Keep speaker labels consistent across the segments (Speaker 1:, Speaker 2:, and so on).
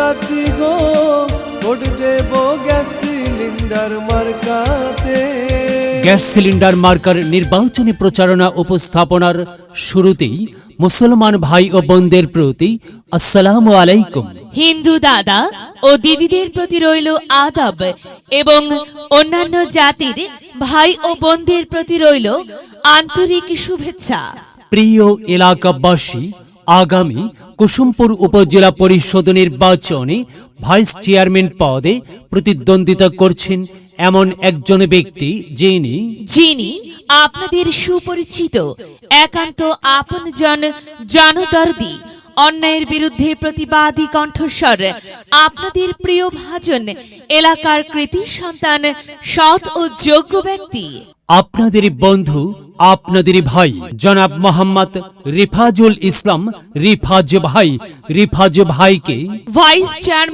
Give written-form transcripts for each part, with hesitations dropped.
Speaker 1: আছি গো, ভোট দেব গ্যাস সিলিন্ডার মার্কাতে।
Speaker 2: গ্যাস সিলিন্ডার মার্কার নির্বাচনী প্রচারণা উপস্থাপনার শুরুতেই মুসলমান ভাই ও বোনদের প্রতি আসসালামু আলাইকুম।
Speaker 3: হিন্দু দাদা ও দিদিদের প্রতি রইল আদাব এবং অন্যান্য জাতির ভাই ও বোনদের প্রতি রইল আন্তরিক শুভেচ্ছা।
Speaker 2: প্রিয় এলাকাবাসী, আগামী কুসুমপুর উপজেলা পরিষদ নির্বাচনে ভাইস চেয়ারম্যান পদে প্রতিদ্বন্দ্বিতা করছেন এমন একজন ব্যক্তি যিনি
Speaker 3: আপনাদের সুপরিচিত, একান্ত আপনজন, জনদর্দি, অন্যায়ের বিরুদ্ধে প্রতিবাদী কণ্ঠস্বর, আপনাদের প্রিয় ভাজন, এলাকার কৃতি সন্তান, সৎ ও যোগ্য ব্যক্তি,
Speaker 2: আপনাদের বন্ধু, আপনাদের ভাই জনাব মোহাম্মদ রিফাজুল ইসলাম রিফাজ ভাইকে
Speaker 3: ভাইস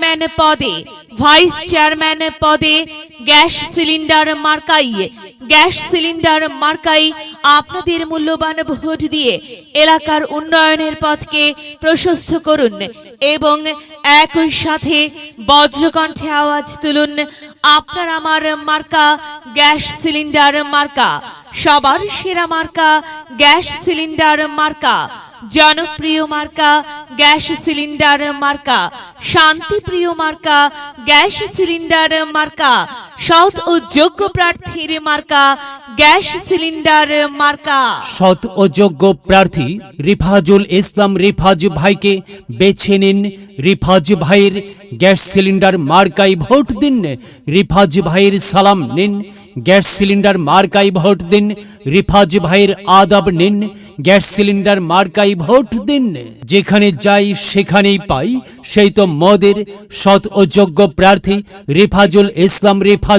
Speaker 3: চেয়ারম্যান পদে গ্যাস সিলিন্ডার মার্কাই আপনাদের মূল্যবান ভোট দিয়ে এলাকার উন্নয়নের পথকে প্রশস্ত করুন এবং একই সাথে বজ্রকণ্ঠে আওয়াজ তুলুন, আপনার আমার মার্কা গ্যাস সিলিন্ডার মার্কা, সবার সেরা মার্কা গ্যাস সিলিন্ডার মার্কা, জনপ্রিয় মার্কা গ্যাস সিলিন্ডার মার্কা, শান্তিপ্রিয় মার্কা গ্যাস সিলিন্ডার মার্কা, সৎ ও যোগ্য প্রার্থীর মার্কা গ্যাস সিলিন্ডার মার্কা।
Speaker 2: সৎ ও যোগ্য প্রার্থী রিফাজুল ইসলাম রিফাজ ভাইকে বেছে নিন। রিফাজ ভাইয়ের গ্যাস সিলিন্ডার মার্কায় ভোট দিন। রিফাজ ভাইয়ের সালাম নিন, গ্যাস সিলিন্ডার মার্কায় ভোট দিন। রিফাজ ভাইয়ের আদাব নিন, গ্যাস সিলিন্ডার মার্কায় ভোট দিন। যেখানে যাই সেখানেই পাই, সেই তো মদের সৎ ও যোগ্য প্রার্থী রিফাজুল ইসলাম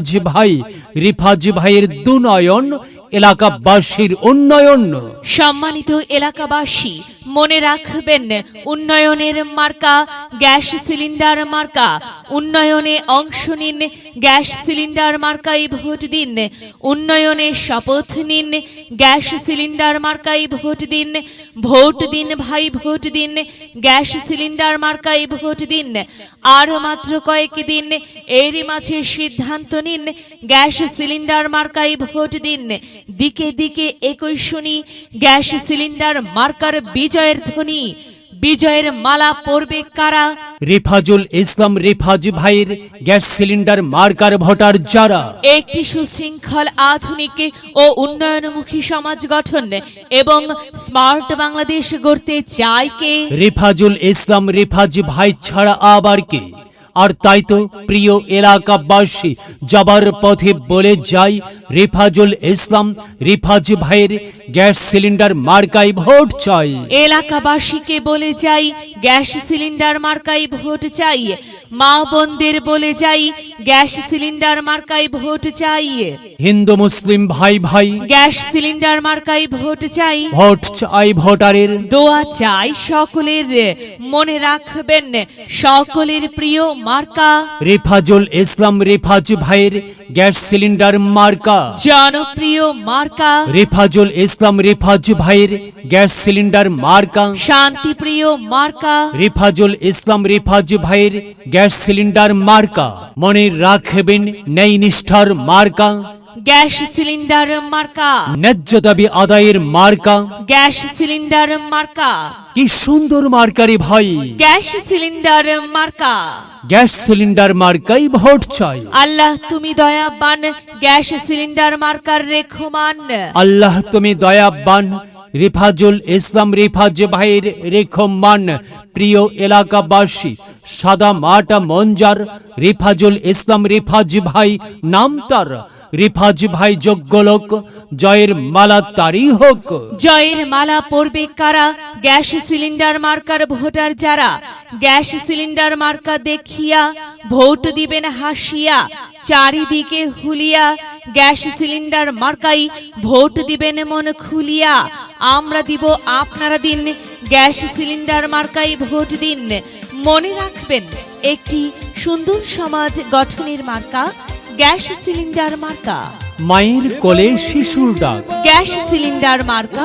Speaker 2: রিফাজ ভাইয়ের দুনয়ন, এলাকাবাসীর উন্নয়ন।
Speaker 3: সম্মানিত এলাকাবাসী, মনে রাখবেন, উন্নয়নের মার্কা গ্যাস সিলিন্ডার মার্কা। উন্নয়নে অংশ নিন, গ্যাস সিলিন্ডার মার্কায় ভোট দিন। উন্নয়নে শপথ নিন, গ্যাস সিলিন্ডার মার্কায় ভোট দিন। ভোট দিন ভাই, ভোট দিন, গ্যাস সিলিন্ডার মার্কায় ভোট দিন। আর মাত্র কয়েকদিন, এরই মাঝে সিদ্ধান্ত নিন, গ্যাস সিলিন্ডার মার্কায় ভোট দিন। দিকে দিকে একই শুনি, গ্যাস সিলিন্ডার মার্কার বিজয়ের ধ্বনি। বিজয়ের মালা পরবে কারা?
Speaker 2: রিফাজুল ইসলাম রিফাজ ভাইয়ের গ্যাস সিলিন্ডার মার্কার ভোটার যারা
Speaker 3: একটি সুশৃঙ্খল, আধুনিক ও উন্নয়নমুখী সমাজ গঠন এবং স্মার্ট বাংলাদেশ গড়তে চায় কে?
Speaker 2: রিফাজুল ইসলাম রিফাজ ভাই ছাড়া আবার কে? আর তাই তো প্রিয় এলাকাবাসী, যাবার পথে বলে যাই, রিফাজুল ইসলাম রিফাজ ভাইয়ের গ্যাস সিলিন্ডার মার্কায় ভোট চাই।
Speaker 3: এলাকাবাসীকে বলে যাই, গ্যাস সিলিন্ডার মার্কায় ভোট চাই। মা বোনদের বলে যাই, গ্যাস সিলিন্ডার মার্কায় ভোট চাই।
Speaker 2: হিন্দু মুসলিম ভাই
Speaker 3: গ্যাস সিলিন্ডার মার্কায় ভোট চাই।
Speaker 2: ভোট চাই ভোটারের,
Speaker 3: দোয়া চাই সকলের। মনে রাখবেন, সকলের প্রিয় মার্কা
Speaker 2: রিফাজুল ইসলাম রিফাজ ভাইয়ের গ্যাস সিলিন্ডার মার্কা,
Speaker 3: জনপ্রিয় মার্কা
Speaker 2: রিফাজুল ইসলাম রিফাজ ভাইয়ের গ্যাস সিলিন্ডার মার্কা,
Speaker 3: শান্তিপ্রিয় মার্কা
Speaker 2: রিফাজুল ইসলাম রিফাজ ভাইয়ের গ্যাস সিলিন্ডার মার্কা। মনে রাখবেন, ন্যায় নিষ্ঠার মার্কা
Speaker 3: গ্যাস সিলিন্ডার মার্কা,
Speaker 2: ন্যায্য দাবি আদায়ের মার্কা
Speaker 3: গ্যাস সিলিন্ডার মার্কা।
Speaker 2: কি সুন্দর মার্কারি ভাই,
Speaker 3: গ্যাস সিলিন্ডার মার্কা।
Speaker 2: গ্যাস সিলিন্ডার মার্কাই ভোট চাই।
Speaker 3: আল্লাহ তুমি দয়াবান, গ্যাস সিলিন্ডার মার্কার রেখমান।
Speaker 2: আল্লাহ তুমি দয়াবান, রিফাজুল ইসলাম রিফাজ ভাইয়ের রেখমান। প্রিয় এলাকাবাসী, সাদা মাটা মঞ্জার রিফাজুল ইসলাম রিফাজ ভাই নাম তার। রিফাজ ভাই যোগ্য লোক, জয়ের মালা তারই হোক।
Speaker 3: জয়ের মালা পরবে কারা? গ্যাস সিলিন্ডার মার্কার ভোটার যারা। গ্যাস সিলিন্ডার মার্কা দেখিয়া ভোট দিবেন হাসিয়া, চারিদিকে হুলিয়া। গ্যাস সিলিন্ডার মার্কাই ভোট দিবেন মন খুলিয়া। আমরা দিব, আপনারা দিন, গ্যাস সিলিন্ডার মার্কাই ভোট দিন। মনে রাখবেন, একটি সুন্দর সমাজ গঠনের মার্কা গ্যাস সিলিন্ডার মার্কা।
Speaker 2: মায়ের কোলে শিশুর ডাক,
Speaker 3: গ্যাস সিলিন্ডার মার্কা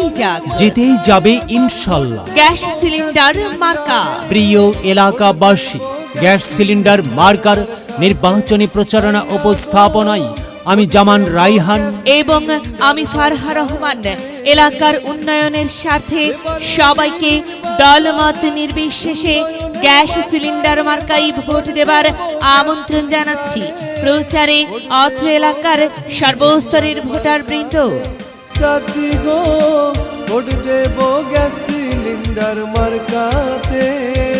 Speaker 2: জিতেই যাবে ইনশাল্লাহ।
Speaker 3: গ্যাস সিলিন্ডার মার্কা।
Speaker 2: প্রিয় এলাকাবাসী, গ্যাস সিলিন্ডার মার্কার নির্বাচনী প্রচারণা উপস্থাপনায় আমি জামান রাইহান
Speaker 3: এবং আমি ফারহা রহমান এলাকার উন্নয়নের স্বার্থে সবাইকে দলমত নির্বিশেষে গ্যাস সিলিন্ডার মার্কাই ভোট দেবার আমন্ত্রণ জানাচ্ছি। প্রচারে অত্র এলাকার সর্বস্তরের ভোটার বৃন্দ।
Speaker 1: চাচি গো ভোট দেব গ্যাস সিলিন্ডার মার্কাতে।